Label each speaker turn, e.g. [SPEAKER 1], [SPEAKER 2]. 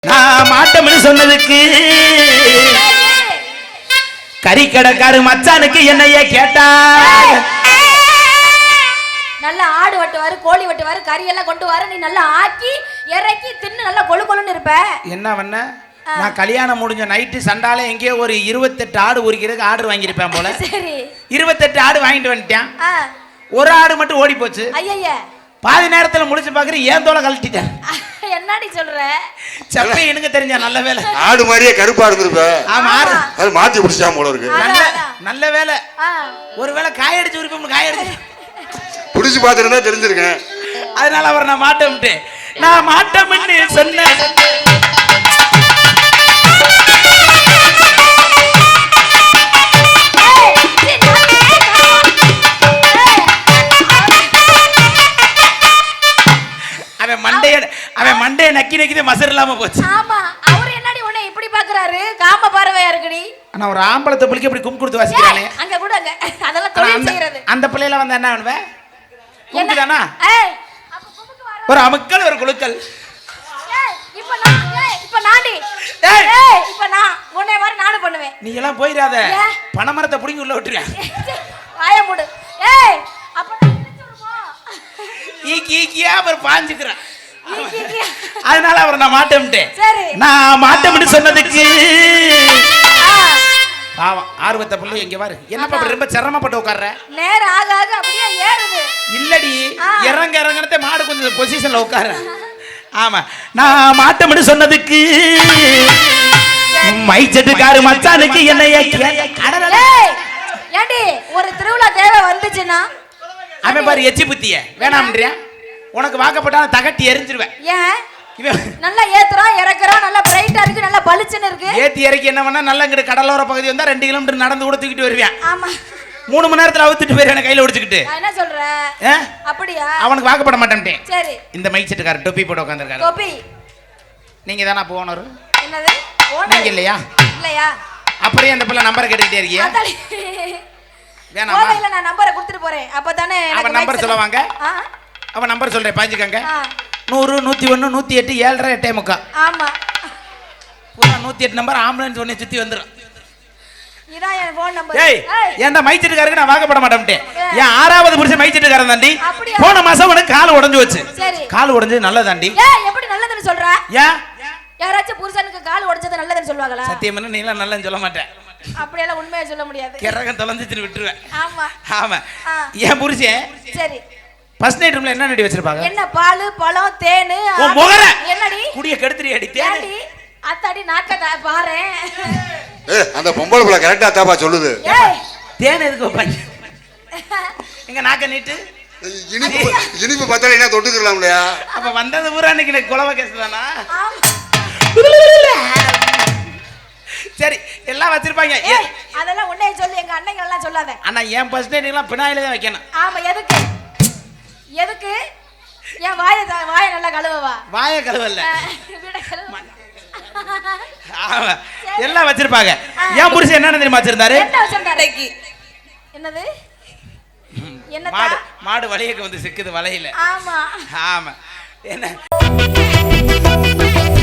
[SPEAKER 1] நான் மாட்டோம்னு சொன்னதுக்கு கறிக்கடைக்காரு மச்சானுக்கு என்னைய கேட்டா
[SPEAKER 2] நல்லா ஆடு வெட்டுவாரு, கோழி வெட்டுவாரு, கறி எல்லாம் கொண்டு வர, நீ நல்லா ஆக்கி இறக்கி தின்னு நல்லா கொழு கொழுன்னு இருப்ப.
[SPEAKER 1] என்ன பண்ண? நான் கல்யாணம் முடிஞ்ச நைட்டு சண்டாலே எங்கேயோ ஒரு 28 ஆடு உரிக்கிறதுக்கு ஆர்டர் வாங்கியிருப்பேன் போல. சரி, 28 ஆடு வாங்கிட்டு வந்துட்டேன். ஒரு ஆடு மட்டும் ஓடி போச்சு.
[SPEAKER 2] ஐயா,
[SPEAKER 1] பாதி நேரத்துல முடிச்சு பாக்குறேன், ஏன் தோலை கழட்டிட்டேன்.
[SPEAKER 2] என்னடி சொல்ற?
[SPEAKER 1] சப்பை எனக்கு தெரிஞ்ச நல்ல வேலை.
[SPEAKER 3] ஆடு மாதிரியே கருப்பா இருந்திருப்ப.
[SPEAKER 1] ஆமா,
[SPEAKER 3] அது மாத்தி பிடிச்சா போல இருக்கு.
[SPEAKER 1] நல்ல வேலை. ஒருவேளை காயடிச்சு உரிப்போம், காயடிச்சு
[SPEAKER 3] புடிச்சு பாத்துருந்தா தெரிஞ்சிருக்கேன்.
[SPEAKER 1] அதனால அவர் நான் மாட்டேன், நான் மாட்டேன்னு சொன்னேன். அவன் மண்டைய நக்கி நக்கிதே மசர் இல்லாம போச்சு.
[SPEAKER 2] ஆமா, அவர் என்னடி உன்னை இப்படி பாக்குறாரு? காம பார்வையா இருக்குடி.
[SPEAKER 1] ஆனா ஒரு ஆம்பளத்தை புளிக்க இப்படி கும் கொடுத்து வாசிக்கிறானே.
[SPEAKER 2] அங்க கூட அங்க அதெல்லாம் தொழில் செய்யறது.
[SPEAKER 1] அந்த பிள்ளையில வந்து என்ன பண்ணுவ? கும்குதானா?
[SPEAKER 2] அப்ப கும்முக்கு வர
[SPEAKER 1] ஒரு அமுக்கல் ஒரு குலுக்கல்.
[SPEAKER 2] இப்ப நாடி இப்ப நான் உன்னை மாதிரி நானும் பண்ணுவேன்.
[SPEAKER 1] நீ எல்லாம் போயிராத, பணமரத்தை புடிங்கி உள்ள விட்டுறியா?
[SPEAKER 2] வாய மூடு. அப்ப நான் இழுத்துறோம்.
[SPEAKER 1] ஈக்கியா அவர் பாஞ்சுக்கிறான். அதனால அவர் நான் மாட்டேன்ட்டேன்.
[SPEAKER 2] சரி,
[SPEAKER 1] நான் மாட்டேன்னு சொன்னதுக்கு பாவம் ஆர்வத்தை புள்ள எங்க பாரு. என்னப்பா ரொம்ப சிரமப்பட்டு உட்கார்ற?
[SPEAKER 2] நேரம் ஆக ஆக அப்படியே ஏறுது.
[SPEAKER 1] இல்லடி, இறங்க இறங்கனதே மாடு கொஞ்சம் பொசிஷன்ல உட்கார. ஆமா, நான் மாட்டேன்னு சொன்னதுக்கு மைச்சட்டுக்காரு மச்சானுக்கு என்னைய
[SPEAKER 2] ஏண்டி ஒரு திருவிழா தேவை வந்துச்சுன்னா
[SPEAKER 1] அவன் பாரு எச்சி புத்திய வேணாம்ன்றியா? உனக்கு வாக்கப்பட்டாலும் தகட்டி எரிஞ்சிருவேன்.
[SPEAKER 2] ஏன் நல்லா ஏத்துறான் இறக்குறான், நல்லா பிரைட்டா இருக்கு, நல்லா பளிச்சுன்னு இருக்கு.
[SPEAKER 1] ஏத்தி இறக்கி என்ன பண்ணா நல்லா இங்கிட்டு கடலோர பகுதி வந்தா 2 கிலோமீட்டர் நடந்து கூட தூக்கிட்டு வருவேன்.
[SPEAKER 2] ஆமா,
[SPEAKER 1] 3 மணி நேரத்துல அவுத்துட்டு போயிருவேன் கையில ஒடிச்சுக்கிட்டு.
[SPEAKER 2] என்ன சொல்ற? அப்படியா?
[SPEAKER 1] அவனுக்கு வாக்கப்பட மாட்டேன்ட்டேன்.
[SPEAKER 2] சரி,
[SPEAKER 1] இந்த மைக் செட்டுக்காரர் டொப்பி போட்டு உட்காந்துருக்காரு.
[SPEAKER 2] டொப்பி
[SPEAKER 1] நீங்க தானா போனரு?
[SPEAKER 2] என்னது
[SPEAKER 1] நீங்க இல்லையா?
[SPEAKER 2] இல்லையா?
[SPEAKER 1] அப்படியே அந்த பிள்ளை நம்பரை கேட்டுக்கிட்டே இருக்கியா? வேணாமா?
[SPEAKER 2] இல்ல, நான் நம்பரை கொடுத்துட்டு போறேன். அப்பதானே
[SPEAKER 1] அவன் நம்பர் சொல்லுவாங்க. அவன் நம்பர் சொல்றேன், பாஞ்சுக்கங்க. 100 101 108 7:30 8:45. ஆமா, பூரா 108 நம்பர் ஆம்புலன்ஸ் ஒண்ணே சுத்தி வந்துரும்.
[SPEAKER 2] இதான் என் ஃபோன் நம்பர்.
[SPEAKER 1] ஏய், ஏன்டா மைச்சட்டுக்காரருக்கு நான் வாக்கப்பட மாட்டேன்ட்டேன். ஏன் 6வது புருஷன் மைச்சட்டுக்காரன் தாண்டி. போன மாசம் உனக்கு கால் உடைஞ்சு வச்சு. கால் உடைஞ்சது நல்லதாண்டி.
[SPEAKER 2] ஏய், எப்படி நல்லதுன்னு சொல்ற?
[SPEAKER 1] ஏன்
[SPEAKER 2] யாராச்சும் புருஷனுக்கு கால் உடைச்சது நல்லதுன்னு சொல்லுவாங்களா?
[SPEAKER 1] சத்தியமா நீ எல்லாம் நல்லன்னு சொல்ல மாட்டேன்.
[SPEAKER 2] அப்படியெல்லாம் உண்மையை சொல்ல முடியாது.
[SPEAKER 1] கிரகம் தொலைஞ்சிட்டு விட்டுருவேன்.
[SPEAKER 2] ஆமா
[SPEAKER 1] ஆமா, என் புருஷன்
[SPEAKER 2] சரி
[SPEAKER 1] ஃபர்ஸ்ட் நைட் ரூம்ல என்ன நடி வச்சிருப்பாங்க?
[SPEAKER 2] என்ன பால் பழம் தேனு.
[SPEAKER 1] ஓ முகர
[SPEAKER 2] என்னடி
[SPEAKER 1] குடிய கெடுத்துறியாடி? தேனு
[SPEAKER 2] அத்தாடி நாக்க பாரு.
[SPEAKER 3] அந்த பொம்பளை புள்ள கரெக்ட்டா தாப்பா சொல்லுது.
[SPEAKER 1] தேன் எதுக்கு வைப்பாங்க? எங்க நாக்க நீட்டு
[SPEAKER 3] இனிப்பு பத்தல என்ன தொட்டுக்கலாம் இல்லையா?
[SPEAKER 1] அப்ப வந்தது பூரா இன்னைக்கு குலவ கேஸ் தானா? சரி, எல்லாம் வச்சிருப்பாங்க.
[SPEAKER 2] அதெல்லாம் உன்னைய சொல்லி எங்க அண்ணங்க எல்லாம் சொல்லாத.
[SPEAKER 1] அண்ணா என் ஃபர்ஸ்ட் நைட் எல்லாம் பினாயில தான் வைக்கணும். ஆமா,
[SPEAKER 2] எதுக்கு எதுக்கு? என் வாயை நல்லா கழுவவா?
[SPEAKER 1] வாயை கழுவல, ஆமா எல்லாம் வச்சிருப்பாங்க. என் புருஷன் என்ன தெரியுமா வச்சிருந்தாரு?
[SPEAKER 2] என்ன வச்சிருந்தாரு? என்னது? என்ன?
[SPEAKER 1] மாடு வளையக்கு வந்து சிக்குது வலையில.
[SPEAKER 2] ஆமா
[SPEAKER 1] ஆமா, என்ன